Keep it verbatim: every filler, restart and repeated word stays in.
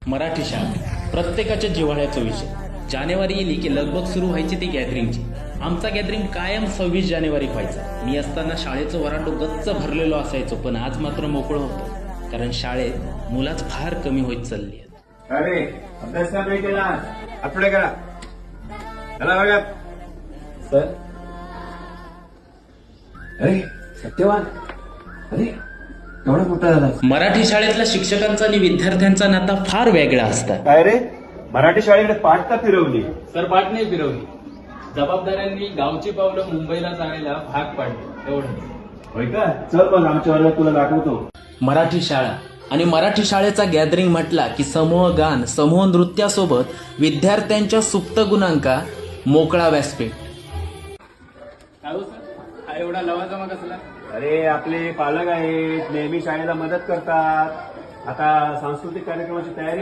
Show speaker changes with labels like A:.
A: मराठी शाळा प्रत्येकाच्या जिव्हाळ्याचा विषय. जानेवारी येली की लगबग सुरू व्हायची ती गॅदरिंगची. आमचा गॅदरिंग कायम सव्वीस जानेवारी व्हायचा. मी असताना शाळेचं वरांडो गच्च भरलेलो असायचो, पण आज मात्र मोकळं होतं, कारण शाळेत मुलाच फार कमी होत चालली आहेत.
B: अरे अभ्यास का नाही केला? आठवडे करा. चला बघा
C: सर. अरे सत्यवान, अरे एवढा मोठा झाला.
A: मराठी शाळेतल्या शिक्षकांचा आणि विद्यार्थ्यांचा नाता फार वेगळा असतात.
B: काय रे, मराठी शाळेकडे पाठ का फिरवली?
D: सर पाठ नाही फिरवली, जबाबदाऱ्यांनी गावची पावलं मुंबईला जाण्याला भाग पाडले एवढं.
B: होय का? चल मग आमच्या वर्गात तुला दाखवतो.
A: मराठी शाळा आणि मराठी शाळेचा गॅदरिंग म्हटला की समूह गान, समूह नृत्यासोबत विद्यार्थ्यांच्या सुप्त गुणांका मोकळा व्यासपीठ.
D: काय हो सर, हा एवढा लवाजमा कसला?
B: अरे आपले पालक आहेत, नेहमी शाळेला मदत करतात. आता सांस्कृतिक कार्यक्रमाची तयारी